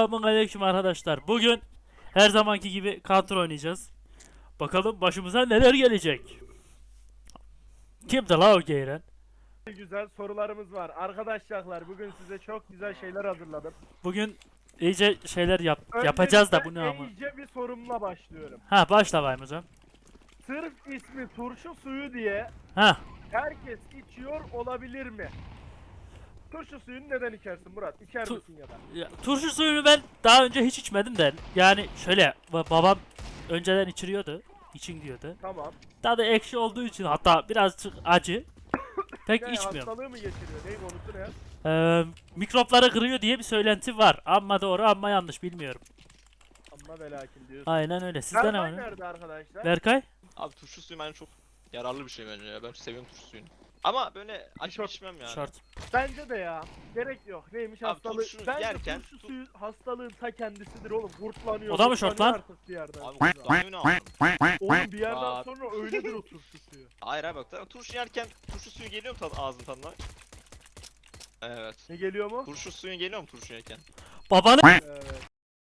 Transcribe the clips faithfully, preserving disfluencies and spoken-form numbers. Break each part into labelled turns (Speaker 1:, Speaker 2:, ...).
Speaker 1: Selamünaleyküm arkadaşlar. Bugün her zamanki gibi Counter oynayacağız. Bakalım başımıza neler gelecek. Kimdi la o geyren?
Speaker 2: Güzel sorularımız var. Arkadaşlar bugün size çok güzel şeyler hazırladım.
Speaker 1: Bugün iyice şeyler yap yapacağız da bu ne
Speaker 2: Öncelikle
Speaker 1: ama.
Speaker 2: iyice bir sorumla başlıyorum.
Speaker 1: Ha başla bayım hocam.
Speaker 2: Sırf ismi turşu suyu diye
Speaker 1: Ha
Speaker 2: herkes içiyor olabilir mi? Turşu suyunu neden içersin Murat? İçer
Speaker 1: Tu-
Speaker 2: misin ya da?
Speaker 1: ya, turşu suyunu ben daha önce hiç içmedim de. Yani şöyle ba- babam önceden içiriyordu. İçin diyordu.
Speaker 2: Tamam.
Speaker 1: Tadı ekşi olduğu için hatta birazcık acı. Pek
Speaker 2: Ne
Speaker 1: içmiyorum.
Speaker 2: hastalığı mı getiriyor? Neyin konusu ne?
Speaker 1: Ee, mikropları kırıyor diye bir söylenti var. Amma doğru amma yanlış bilmiyorum.
Speaker 2: Amma ve lakin diyorsun.
Speaker 1: Aynen öyle. Sizde ne
Speaker 2: Berkay
Speaker 1: var?
Speaker 2: nerede arkadaşlar?
Speaker 1: Berkay?
Speaker 3: Abi turşu suyu bence çok yararlı bir şey bence ya. Ben seviyorum turşu suyunu. Ama böyle açıp
Speaker 2: Şort-
Speaker 3: içmem yani.
Speaker 1: Şort.
Speaker 2: Bence de ya. Gerek yok. Neymiş
Speaker 3: Abi
Speaker 2: hastalığı?
Speaker 3: turşu
Speaker 2: Bence
Speaker 3: yerken-
Speaker 2: turşu suyu hastalığın ta kendisidir oğlum. Kurtlanıyor.
Speaker 1: O da mı şort
Speaker 2: kurtlanıyor
Speaker 1: lan?
Speaker 2: artık bir yerden
Speaker 3: Abi
Speaker 2: sonra.
Speaker 3: kurtlanıyor ne yapalım?
Speaker 2: Oğlum bir yerden
Speaker 3: Aa.
Speaker 2: sonra öyledir o turşu suyu.
Speaker 3: Hayır abi bak zaten turşu yerken turşu suyu geliyor mu tad ağzın tadına? Evet.
Speaker 2: Ne geliyor mu?
Speaker 3: Turşu suyu geliyor mu turşu yerken?
Speaker 1: Babanı
Speaker 2: Evet.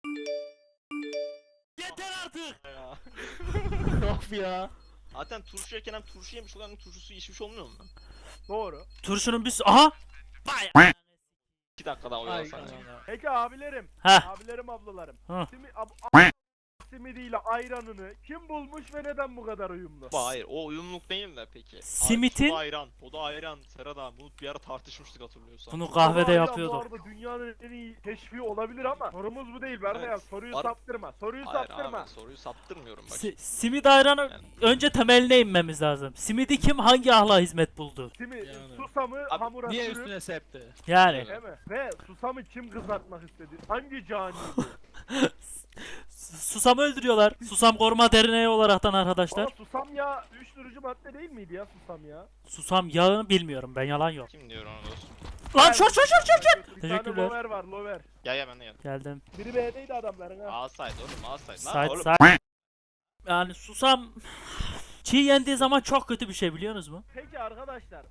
Speaker 1: yeter artık.
Speaker 3: Ya.
Speaker 1: Of ya.
Speaker 3: Zaten turşu yerken hem turşu yemiş olan hem turşu suyu içmiş olmuyor mu?
Speaker 2: Doğru.
Speaker 1: Turşunun bir s- aha. Vay.
Speaker 3: iki dakika daha oyalasan ya.
Speaker 2: Peki abilerim,
Speaker 1: Ha.
Speaker 2: abilerim ablalarım.
Speaker 1: Hı.
Speaker 2: Simi, ab, ab, simidiyle ayranını kim bulmuş ve neden bu kadar uyumlu?
Speaker 3: Bu hayır o uyumluluk değil de peki.
Speaker 1: Simitin-
Speaker 3: Ay, o da ayran. O da ayran. Serhat abi bunu bir ara tartışmıştık hatırlıyorsan.
Speaker 1: Bunu
Speaker 2: Ama
Speaker 1: kahvede
Speaker 2: ayran
Speaker 1: yapıyorduk.
Speaker 2: Bu arada dünyanın en iyi teşviği olabilir ama sorumuz bu değil Berna ya.
Speaker 3: Evet.
Speaker 2: Soruyu
Speaker 3: Ar-
Speaker 2: saptırma. Soruyu
Speaker 3: Hayır
Speaker 2: saptırma.
Speaker 3: abi soruyu saptırmıyorum bak.
Speaker 1: Si simit ayranı önce temeline inmemiz lazım. Simidi kim hangi ahla hizmet buldu?
Speaker 2: Simi,
Speaker 4: Yani.
Speaker 2: susamı
Speaker 3: Abi,
Speaker 2: hamura
Speaker 4: Niye
Speaker 2: sürüp,
Speaker 4: üstüne septi?
Speaker 1: Yani
Speaker 3: Evet.
Speaker 2: değil mi? Ve susamı kim kızartmak istedi? Hangi cani?
Speaker 1: s- susamı öldürüyorlar. Susam koruma derneği olaraktan
Speaker 2: Aa,
Speaker 1: arkadaşlar.
Speaker 2: susam ya uyuşturucu madde değil miydi ya susam ya?
Speaker 1: Susam yağını bilmiyorum ben yalan yok.
Speaker 3: Kim diyor onu dostum?
Speaker 1: Lan şort şort şort şort şort.
Speaker 2: Bir
Speaker 1: Teşekkürler.
Speaker 2: tane lover var lover.
Speaker 3: Gel gel ben de gel.
Speaker 1: Geldim.
Speaker 2: Biri B'deydi adamların ha.
Speaker 3: Alsaydı oğlum alsaydı. Lan
Speaker 1: Side
Speaker 3: oğlum.
Speaker 1: side. Yani susam çiğ yendiği zaman çok kötü bir şey biliyorsunuz mu?
Speaker 2: Peki arkadaşlar.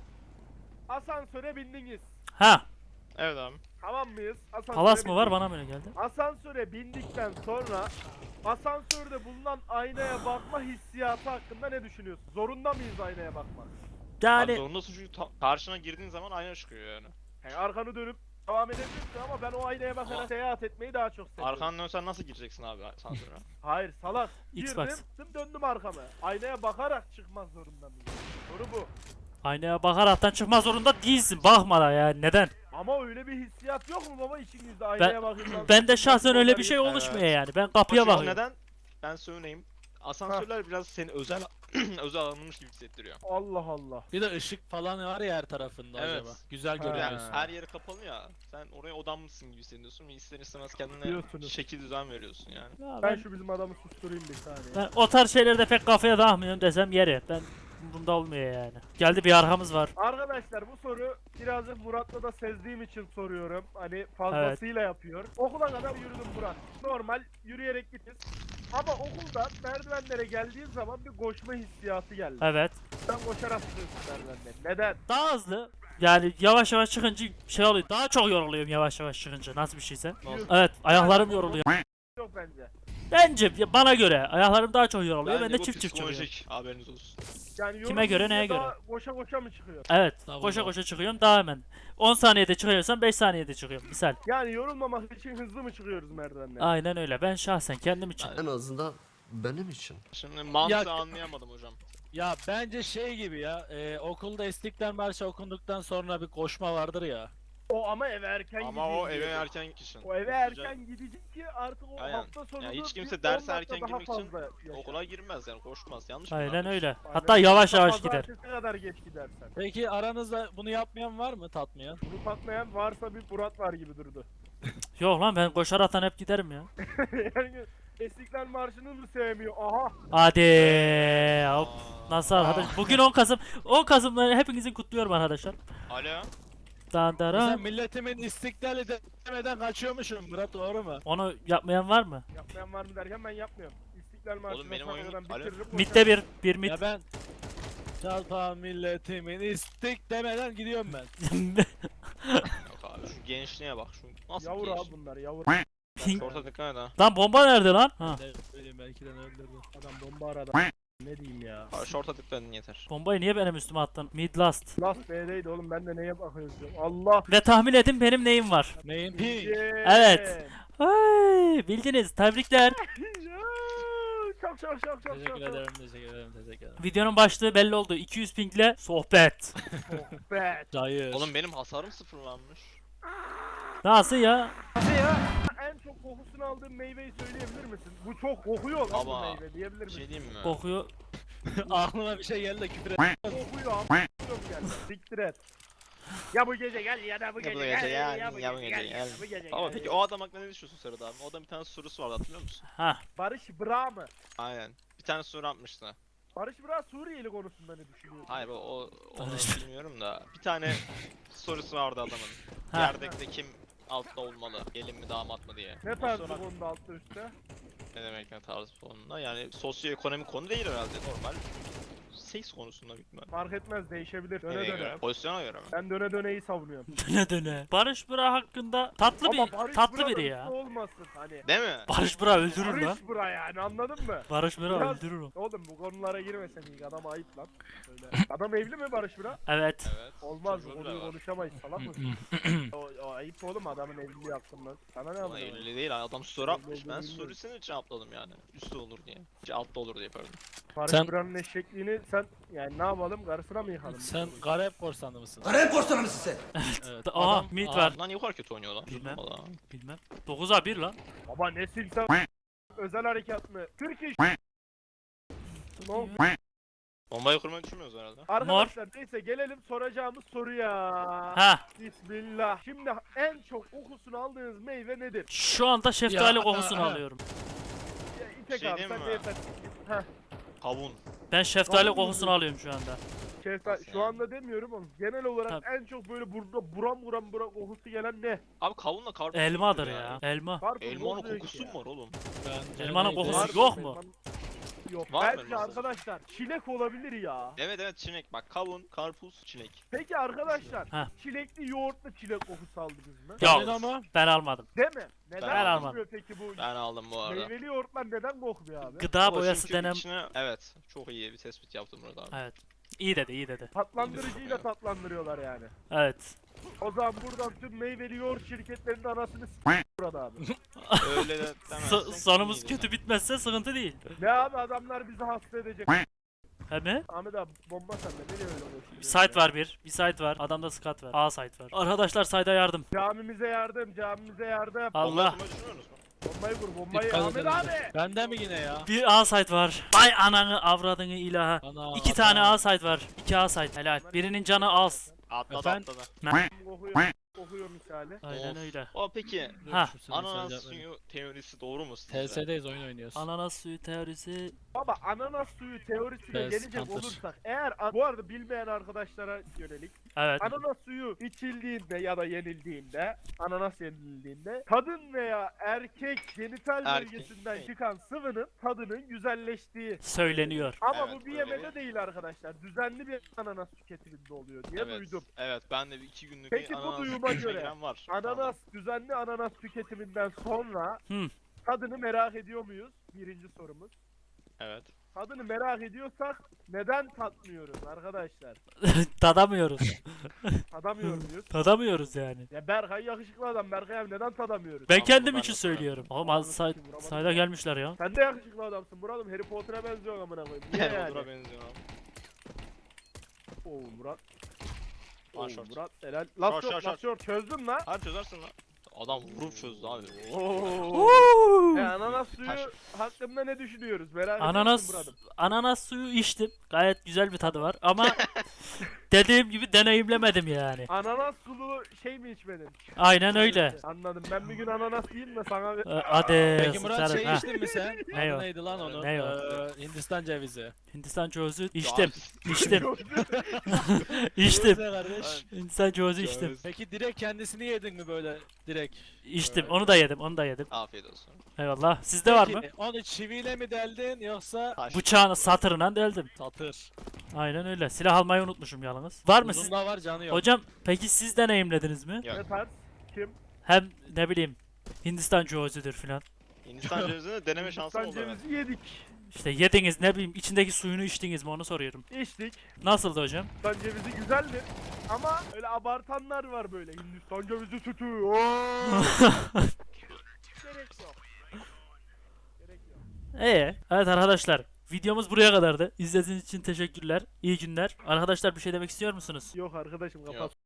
Speaker 2: Asansöre bindiniz.
Speaker 1: Ha.
Speaker 3: Evet abi.
Speaker 2: Tamam mıyız? Asansöre
Speaker 1: Palas mı var
Speaker 2: bindik.
Speaker 1: bana mı öyle geldi?
Speaker 2: Asansöre bindikten sonra asansörde bulunan aynaya bakma hissiyatı hakkında ne düşünüyorsun? Zorunda mıyız aynaya bakmak?
Speaker 3: Abi
Speaker 1: Yani
Speaker 3: zorundasın çünkü ta- karşına girdiğin zaman ayna çıkıyor yani.
Speaker 2: Yani arkanı dönüp devam edebilirsin ama ben o aynaya bakarak
Speaker 3: Ama-
Speaker 2: seyahat etmeyi daha çok seviyorum.
Speaker 3: Arkanı dönsen nasıl gireceksin abi asansöre?
Speaker 2: Hayır salak.
Speaker 1: Xbox.
Speaker 2: Girdim döndüm arkamı. Aynaya bakarak çıkmak zorunda mıyım? Soru bu.
Speaker 1: aynaya bakaraktan çıkma zorunda değilsin. Bakma da ya neden?
Speaker 2: Ama öyle bir hissiyat yok mu baba içinizde aynaya bakın.
Speaker 1: Ben de şahsen öyle bir şey
Speaker 3: Evet.
Speaker 1: oluşmuyor yani. Ben kapıya
Speaker 3: Ama şu
Speaker 1: bakıyorum.
Speaker 3: neden? Ben söyleyeyim. Asansörler biraz seni özel özel alınmış gibi hissettiriyor.
Speaker 2: Allah Allah.
Speaker 4: Bir de ışık falan var ya her tarafında
Speaker 3: Evet.
Speaker 4: acaba. Güzel
Speaker 2: Ha.
Speaker 3: Yani
Speaker 4: görünüyorsun.
Speaker 3: her yeri kapalı ya. Sen oraya odanmışsın gibi hissediyorsun ve ister istemez kendine
Speaker 2: Diyorsunuz.
Speaker 3: şekil düzen veriyorsun yani.
Speaker 1: Ya
Speaker 2: Ben
Speaker 1: ben,
Speaker 2: şu bizim adamı susturayım bir saniye.
Speaker 1: ben o tarz şeylerde pek kafaya takmıyorum desem yeri. Ben bunda olmuyor yani. Geldi bir arkamız var.
Speaker 2: Arkadaşlar bu soru birazcık Murat'la da sezdiğim için soruyorum. Hani fazlasıyla yapıyor. Okula kadar yürüdüm Murat. Normal yürüyerek gideriz. Ama okulda merdivenlere geldiğin zaman bir koşma hissiyatı geldi.
Speaker 1: Evet.
Speaker 2: Sen koşarak çıkıyorsun merdivenleri. Neden?
Speaker 1: Daha hızlı. Yani yavaş yavaş çıkınca şey oluyor. Daha çok yoruluyorum yavaş yavaş çıkınca. Nasıl bir şeyse.
Speaker 3: Nasıl?
Speaker 1: Evet, ayaklarım yoruluyor.
Speaker 2: Yok bence.
Speaker 1: Bence ya bana göre ayaklarım daha çok yoruluyor. Ben
Speaker 3: Bence
Speaker 1: de
Speaker 3: bu
Speaker 1: çift çift çıkıyorum.
Speaker 3: psikolojik, haberiniz olsun.
Speaker 2: Yani
Speaker 1: Kime göre,
Speaker 2: yorulunca
Speaker 1: neye göre?
Speaker 2: daha Koşa koşa mı çıkıyor?
Speaker 1: Evet.
Speaker 4: Tamam,
Speaker 1: Koşa
Speaker 4: tamam.
Speaker 1: koşa çıkıyorum daha hemen. on saniyede çıkıyorsam beş saniyede çıkıyorum. Misal.
Speaker 2: Yani yorulmamak için hızlı mı çıkıyoruz merdivenlere?
Speaker 1: Aynen öyle. Ben şahsen kendim için.
Speaker 5: En azından benim için.
Speaker 3: Şimdi mantığı
Speaker 4: Ya-
Speaker 3: anlayamadım hocam.
Speaker 4: Ya bence şey gibi ya. E, okulda İstiklal Marşı okunduktan sonra bir koşma vardır ya.
Speaker 2: O ama eve erken
Speaker 3: Ama
Speaker 2: gideyim
Speaker 3: o eve
Speaker 2: diyor.
Speaker 3: erken kişinin.
Speaker 2: O eve erken gidecek ki artık o
Speaker 3: Aynen.
Speaker 2: hafta sonu
Speaker 3: Yani hiç kimse
Speaker 2: bir
Speaker 3: derse
Speaker 2: on
Speaker 3: erken
Speaker 2: dakika daha
Speaker 3: girmek için
Speaker 2: fazla yaşar.
Speaker 3: Okula girmez yani koşmaz. Yanlış mı?
Speaker 1: Aynen
Speaker 3: anladım?
Speaker 1: öyle.
Speaker 2: Aynen.
Speaker 1: Hatta yavaş yavaş gider.
Speaker 2: Pazartesi kadar geç gidersen.
Speaker 4: Peki aranızda bunu yapmayan var mı tatmayan?
Speaker 2: Bunu tatmayan varsa bir Murat var gibi durdu.
Speaker 1: Yok lan ben koşaraktan hep giderim ya.
Speaker 2: Yani İstiklal Marşı'nı mı sevmiyor? Aha!
Speaker 1: Hadi. Hop.
Speaker 3: Aa.
Speaker 1: Nasıl arkadaş? Bugün on Kasım. on Kasım'ları hepinizin kutluyorum arkadaşlar.
Speaker 3: Alo.
Speaker 1: Dan
Speaker 4: Sen
Speaker 1: daran.
Speaker 4: milletimin istiklali demeden kaçıyormuşum Murat, doğru mu?
Speaker 1: Onu yapmayan var mı?
Speaker 2: Yapmayan var mı derken ben yapmıyorum. İstiklal Marşı'nı
Speaker 3: benim oyunum-
Speaker 2: sonradan
Speaker 3: Alo?
Speaker 2: bitiririm.
Speaker 1: Mitte bir. Bir mit.
Speaker 4: Ya ben Çalpa milletimin istik demeden gidiyorum ben.
Speaker 3: Yok abi şu gençliğe bak şu nasıl
Speaker 2: Yavur
Speaker 3: genç?
Speaker 2: abi bunlar yavur.
Speaker 1: Ping.
Speaker 3: Short'a dikkat et ha.
Speaker 1: Lan bomba nerede lan? Ha.
Speaker 4: Ne bileyim belki de öldürdü.
Speaker 2: Adam bomba aradı. Ne diyeyim ya.
Speaker 3: Ha, Short'a dikkat edin yeter.
Speaker 1: Bombayı niye benim üstüme attın? Mid last.
Speaker 2: Last B'deydi oğlum ben de neye bakıyorum. Allah.
Speaker 1: Ve tahmin edin benim neyim var.
Speaker 4: Neyin ping?
Speaker 1: Evet. Ay, bildiniz. Tebrikler.
Speaker 2: Çok çok çok çok çok.
Speaker 4: Teşekkür ederim, teşekkür ederim, teşekkür ederim.
Speaker 1: Videonun başlığı belli oldu. iki yüz pingle sohbet.
Speaker 2: Be.
Speaker 4: Hayır.
Speaker 3: Oğlum benim hasarım sıfırlanmış.
Speaker 1: Nasıl ya?
Speaker 2: Hadi ya. En çok kokusunu aldığın meyveyi söyleyebilir misin? Bu çok kokuyor lan bu
Speaker 3: Ama
Speaker 2: meyve diyebilir
Speaker 3: Bir
Speaker 2: misin?
Speaker 3: şey diyeyim mi?
Speaker 1: Kokuyor.
Speaker 4: Aklıma bir şey geldi de küfür et.
Speaker 2: Kokuyor am. Gel. Siktir et. Ya bu gece gel ya da bu gece,
Speaker 3: bu gece
Speaker 2: gel.
Speaker 3: gel, ya bu gece gel.
Speaker 2: ya bu gece
Speaker 3: Ama
Speaker 2: gel.
Speaker 3: peki o adam hakkında ne düşünüyorsun Serhat abi? O adamın bir tane sorusu vardı hatırlıyor musun?
Speaker 1: Ha.
Speaker 2: Barış Bra mı?
Speaker 3: Aynen. Bir tane soru atmıştı.
Speaker 2: Barış Bra Suriyeli konusunda ne düşünüyorsun?
Speaker 3: Hayır o, o onu
Speaker 1: Barış-
Speaker 3: bilmiyorum da bir tane sorusu vardı adamın.
Speaker 1: Ha.
Speaker 3: Yerdekte kim altta olmalı? Gelin mi damat mı diye.
Speaker 2: Ne
Speaker 3: O
Speaker 2: tarz
Speaker 3: soru-
Speaker 2: bu konuda altta üstte?
Speaker 3: Ne demek ne tarz sonunda? Yani sosyoekonomik konu değil herhalde normal. Seks konusunda büyük ihtimal.
Speaker 2: Fark etmez değişebilir. Döne
Speaker 3: Nereye
Speaker 2: döne.
Speaker 3: göre? Pozisyona göre mi?
Speaker 2: Ben döne döneyi savunuyorum.
Speaker 1: Döne döne. Barış Bıra hakkında tatlı
Speaker 2: Ama
Speaker 1: bir
Speaker 2: Barış
Speaker 1: tatlı
Speaker 2: Bra da
Speaker 1: biri
Speaker 2: üstte
Speaker 1: ya.
Speaker 2: olmasın hani.
Speaker 3: Değil mi?
Speaker 1: Barış Bıra öldürür lan.
Speaker 2: Barış Bra yani anladın mı?
Speaker 1: Barış Bıra
Speaker 2: Biraz-
Speaker 1: öldürür o.
Speaker 2: Oğlum bu konulara girmesen iyi adam ayıp lan. Öyle. Adam evli mi Barış Bra?
Speaker 1: Evet.
Speaker 3: Evet.
Speaker 2: Olmaz bu
Speaker 3: Çocuğu bile
Speaker 2: konuyu
Speaker 3: var.
Speaker 2: konuşamayız salak mısın? o, o ayıp oğlum adamın evliliği hakkında. Sana ne
Speaker 3: Ama
Speaker 2: anlıyor?
Speaker 3: elli değil adam soru atmış. Ben
Speaker 2: Elli değil.
Speaker 3: sorusunu için cevapladım yani. Üstte olur diye. Şey, altta olur diye pardon.
Speaker 2: Barış
Speaker 4: Sen-
Speaker 2: Bra'nın eşekliğini sen yani ne yapalım karısına mı yıkalım?
Speaker 4: Sen garip korsanı mısın?
Speaker 5: Garip korsanı mısın sen?
Speaker 4: Evet.
Speaker 1: Aha,
Speaker 4: adam-
Speaker 1: mid
Speaker 4: Aa,
Speaker 1: var.
Speaker 3: Lan niye bu kadar kötü oynuyor lan?
Speaker 1: Bilmem.
Speaker 3: Valla.
Speaker 1: Bilmem. dokuza bir lan.
Speaker 2: Baba ne silsen özel harekat mı? Türk iş. No.
Speaker 3: Bombayı kurmayı düşünmüyoruz herhalde.
Speaker 2: Arkadaşlar neyse gelelim soracağımız soruya.
Speaker 1: Ha.
Speaker 2: Bismillah. Şimdi en çok kokusunu aldığınız meyve nedir?
Speaker 1: Şu anda şeftali
Speaker 4: Ya,
Speaker 1: kokusunu
Speaker 4: ha, ha.
Speaker 1: alıyorum.
Speaker 2: Ya, İpek
Speaker 3: Şey
Speaker 2: abi
Speaker 3: diyeyim
Speaker 2: sen
Speaker 3: mi?
Speaker 2: de yeter. Heh,
Speaker 3: Kavun.
Speaker 1: Ben şeftali
Speaker 2: Vallahi
Speaker 1: kokusunu alıyorum şu anda.
Speaker 2: şeftal-
Speaker 3: Nasıl
Speaker 2: şu
Speaker 3: yani?
Speaker 2: anda demiyorum ama genel olarak
Speaker 1: Tabii.
Speaker 2: en çok böyle burada buram buram buram kokusu gelen ne?
Speaker 3: Abi kavunla karpuz.
Speaker 1: Elmadır
Speaker 3: kokuyor
Speaker 1: ya. Elma.
Speaker 2: Karpuz
Speaker 3: Elmanın
Speaker 2: oluyor ki
Speaker 3: kokusu
Speaker 2: ya.
Speaker 3: mu var oğlum?
Speaker 4: Ben-
Speaker 1: Elmanın
Speaker 4: ben-
Speaker 1: kokusu
Speaker 2: Var
Speaker 1: yok
Speaker 2: mı?
Speaker 1: mu?
Speaker 2: Yok.
Speaker 3: Var mı
Speaker 2: Bence
Speaker 3: elması?
Speaker 2: arkadaşlar çilek olabilir ya.
Speaker 3: Evet evet çilek. Bak kavun, karpuz, çilek.
Speaker 2: Peki arkadaşlar
Speaker 1: Heh.
Speaker 2: çilekli yoğurtlu çilek kokusu aldınız mı?
Speaker 1: Yok.
Speaker 4: Senin ama
Speaker 1: Ben almadım.
Speaker 2: Değil mi? Neden
Speaker 3: Ben
Speaker 1: almadım.
Speaker 2: kokmuyor peki bu
Speaker 3: Ben aldım bu arada.
Speaker 2: meyveli yoğurtlar neden kokmuyor abi?
Speaker 1: Gıda
Speaker 3: Ama
Speaker 1: boyası
Speaker 3: çünkü
Speaker 1: denen...
Speaker 3: içine- Evet. Çok iyi bir tespit yaptım burada abi.
Speaker 1: Evet. İyi dedi, iyi dedi.
Speaker 2: Tatlandırıcıyla tatlandırıyorlar yani.
Speaker 1: Evet.
Speaker 2: O zaman buradan tüm meyveli yoğurt şirketlerinin anasını s*** burada abi.
Speaker 3: Öyle de
Speaker 1: So-
Speaker 3: demezsek
Speaker 1: sonumuz
Speaker 3: iyiydi
Speaker 1: kötü
Speaker 3: yani.
Speaker 1: bitmezse sıkıntı değil.
Speaker 2: Ne abi adamlar bizi hasta edecek.
Speaker 1: He mi?
Speaker 2: Ahmet abi bomba sende nereye öyle boş
Speaker 1: Bir site var bir. Bir site var. Adamda skat var. A site var. Arkadaşlar site'a yardım.
Speaker 2: Camimize yardım, camimize yardım.
Speaker 1: Allah.
Speaker 3: Bombayı kurmayı düşünüyorsunuz mu?
Speaker 2: Bombayı vur, bombayı
Speaker 4: Dikkat
Speaker 2: Ahmet
Speaker 4: edelim.
Speaker 2: abi.
Speaker 4: Bende mi yine ya?
Speaker 1: Bir A site var. Vay ananı avradını ilaha.
Speaker 4: Ana,
Speaker 1: İki tane A site var. İki A site. Helal. Birinin canı az.
Speaker 3: Atladı
Speaker 4: Efendim?
Speaker 3: atladı.
Speaker 2: Kokuyor, kokuyor misali.
Speaker 1: Aynen
Speaker 3: Of.
Speaker 1: öyle.
Speaker 3: O peki
Speaker 1: Ha.
Speaker 3: ananas suyu teorisi doğru mu
Speaker 4: T
Speaker 3: sizce?
Speaker 4: S'deyiz, oyun oynuyoruz.
Speaker 1: Ananas suyu teorisi.
Speaker 2: Baba ananas suyu teorisine
Speaker 4: Evet,
Speaker 2: gelecek
Speaker 4: counter.
Speaker 2: olursak eğer bu arada bilmeyen arkadaşlara yönelik
Speaker 1: Evet.
Speaker 2: ananas suyu içildiğinde ya da yenildiğinde ananas yenildiğinde kadın veya erkek genital
Speaker 3: Erkek.
Speaker 2: bölgesinden çıkan sıvının tadının güzelleştiği
Speaker 1: Söyleniyor.
Speaker 2: ama
Speaker 3: Evet,
Speaker 2: bu bir
Speaker 3: öyle
Speaker 2: yemede
Speaker 3: bir-
Speaker 2: değil arkadaşlar. Düzenli bir ananas tüketiminde oluyor diye
Speaker 3: Evet.
Speaker 2: duydum.
Speaker 3: Evet ben de bir iki günlük
Speaker 2: Peki
Speaker 3: bir
Speaker 2: bu
Speaker 3: ananas
Speaker 2: duyuma
Speaker 3: yiyişime
Speaker 2: göre
Speaker 3: giren var.
Speaker 2: Ananas düzenli ananas tüketiminden sonra
Speaker 1: Hı.
Speaker 2: tadını merak ediyor muyuz? Birinci sorumuz.
Speaker 3: Evet.
Speaker 2: Tadını merak ediyorsak neden tatmıyoruz arkadaşlar?
Speaker 1: Tadamıyoruz.
Speaker 2: Tadamıyor muyuz?
Speaker 1: Tadamıyoruz yani.
Speaker 2: Ya Berkay yakışıklı adam. Berkay abi neden tadamıyoruz?
Speaker 1: Ben
Speaker 3: Tamam,
Speaker 1: kendim
Speaker 3: ben
Speaker 1: için
Speaker 3: de
Speaker 1: söylüyorum. Oğlum
Speaker 2: Anladım,
Speaker 1: az site,
Speaker 2: şimdi vuramadım.
Speaker 1: site'a gelmişler ya.
Speaker 2: Sen de yakışıklı adamsın Murat'ım. Harry Potter'a benziyor amına koyayım. Niye
Speaker 3: Yani.
Speaker 2: yani?
Speaker 3: Odura benziyor abi.
Speaker 2: Oo Murat. Oo
Speaker 3: Aa, short.
Speaker 2: Murat helal. Last
Speaker 3: Short,
Speaker 2: short,
Speaker 3: short,
Speaker 2: last short. Çözdün lan.
Speaker 3: Hadi çözersin lan. Adam vurup çözdü abi.
Speaker 2: Oo. E, ananas suyu
Speaker 3: Taş.
Speaker 2: hakkında ne düşünüyoruz? Merak
Speaker 1: Ananas
Speaker 2: ediyorsun Murat'ım.
Speaker 1: ananas suyu içtim. Gayet güzel bir tadı var ama dediğim gibi deneyimlemedim yani.
Speaker 2: Ananas sulu şey mi içmedin?
Speaker 1: Aynen öyle.
Speaker 2: Anladım. Ben bir gün ananas yiyeyim de sana bir...
Speaker 1: Ee, Hadi.
Speaker 4: Peki Murat
Speaker 1: sıçarım,
Speaker 4: şey
Speaker 1: ha.
Speaker 4: içtin mi sen?
Speaker 1: Ne
Speaker 4: Adı
Speaker 1: o?
Speaker 4: neydi lan onun?
Speaker 1: Ne o?
Speaker 4: Ee, Hindistan cevizi.
Speaker 1: Hindistan cevizi içtim. İçtim. İçtim.
Speaker 4: Cevizi kardeş.
Speaker 1: Hindistan cevizi içtim.
Speaker 3: Ceviz.
Speaker 4: Peki direkt kendisini yedin mi böyle direkt?
Speaker 1: İçtim. Onu da yedim. Onu da yedim.
Speaker 3: Afiyet olsun.
Speaker 1: Eyvallah. Sizde var mı?
Speaker 4: Peki, onu çiviyle mi deldin yoksa
Speaker 3: Taş.
Speaker 1: Bıçağını satırından deldim.
Speaker 4: satır?
Speaker 1: Aynen öyle. Silah almayı unutmuşum yalnız. Var mı siz?
Speaker 4: Uzun da var canı yok.
Speaker 1: Hocam peki siz deneyimlediniz mi?
Speaker 3: Yok.
Speaker 2: Ne tarz? Kim?
Speaker 1: Hem ne bileyim Hindistan cevizidir filan.
Speaker 3: Hindistan cevizini deneme şansım
Speaker 2: Hindistan
Speaker 3: oldu. Evet.
Speaker 2: cevizi yedik.
Speaker 1: İşte yediniz ne bileyim içindeki suyunu içtiniz mi onu soruyorum.
Speaker 2: İçtik.
Speaker 1: Nasıldı hocam?
Speaker 2: Hindistan cevizi güzeldir. Ama öyle abartanlar var böyle. Hindistan cevizi sütü. Oo! Gerek yok. Gerek yok.
Speaker 1: Ee, evet arkadaşlar videomuz buraya kadardı. İzlediğiniz için teşekkürler. İyi günler. Arkadaşlar bir şey demek istiyor musunuz?
Speaker 2: Yok arkadaşım kapat.
Speaker 3: Yok.